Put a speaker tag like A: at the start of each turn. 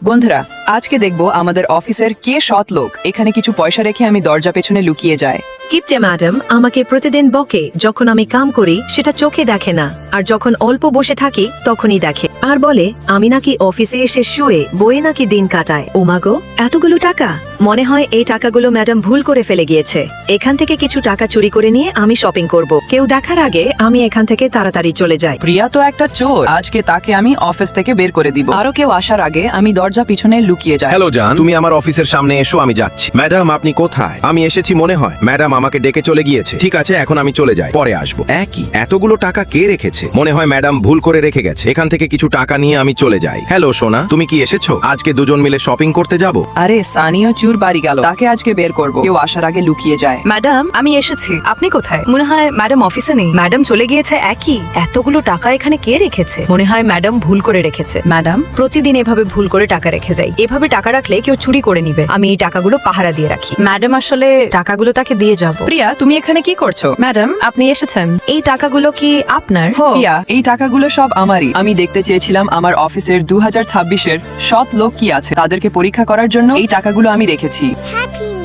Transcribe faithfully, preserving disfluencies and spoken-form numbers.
A: বন্ধুরা, আজকে দেখবো আমাদের অফিসের কে সৎ লোক এখানে কিছু পয়সা রেখে আমি দরজা পেছনে লুকিয়ে যায়।
B: কিপটে ম্যাডাম আমাকে প্রতিদিন বকে, যখন আমি কাম করি সেটা চোখে দেখে না, আর যখন অল্প বসে থাকি তখনই দেখে, আর বলে আমি নাকি অফিসে এসে শুয়ে বইয়ে নাকি দিন কাটায়।
C: ওমাগো, এতগুলো টাকা! মনে হয় এই টাকাগুলো ম্যাডাম ভুল করে ফেলে গিয়েছে। এখান থেকে কিছু টাকা চুরি করে নিয়ে আমি শপিং করব।
B: কেউ দেখার আগে আমি এখান থেকে তাড়াতাড়ি চলে যাই।
A: প্রিয়া তো একটা চোর, আজকে তাকে আমি অফিস থেকে বের করে দিব। আরো কেউ আসার আগে আমি দরজা পিছনে লুকিয়ে যাই।
D: হ্যালো জান, তুমি আমার অফিসের সামনে এসো, আমি যাচ্ছি। ম্যাডাম আপনি কোথায়? আমি এসেছি মনে হয়। ম্যাডাম আমাকে ডেকে চলে গিয়েছে। ঠিক আছে, এখন আমি চলে যাই, পরে আসবো। একই, এতগুলো টাকা কে রেখেছে? মনে হয় ম্যাডাম ভুল করে রেখে গেছে। এখান থেকে কিছু টাকা নিয়ে আমি চলে যাই। হ্যালো সোনা, তুমি কি এসেছো? আজকে দুজন মিলে শপিং করতে যাব।
A: আরে সানিও চুর বাড়ি গেল, তাকে আজকে বের করব। কেউ আসার আগে লুকিয়ে যায়।
B: ম্যাডাম আমি এসেছি, আপনি কোথায়? মনে হয় ম্যাডাম অফিসে নেই, ম্যাডাম চলে গিয়েছে। একই, এতগুলো টাকা এখানে কে রেখেছে? মনে হয় ম্যাডাম ভুল করে রেখেছে। ম্যাডাম প্রতিদিন এভাবে ভুল করে টাকা রেখে যায়, এভাবে টাকা রাখলে কেউ চুরি করে নিবে। আমি এই টাকাগুলো পাহারা দিয়ে রাখি। ম্যাডাম আসলে টাকাগুলো তাকে দিয়ে যাব।
A: প্রিয়া, তুমি এখানে কি করছো?
B: ম্যাডাম আপনি এসেছেন, এই টাকাগুলো কি আপনার?
A: প্রিয়া, এই টাকাগুলো সব আমারই। আমি দেখতে চেয়েছিলাম আমার অফিসের দু হাজার ছাব্বিশের সৎ লোক কি আছে, তাদেরকে পরীক্ষা করার জন্য এই টাকাগুলো আমি রেখেছি।
E: Happy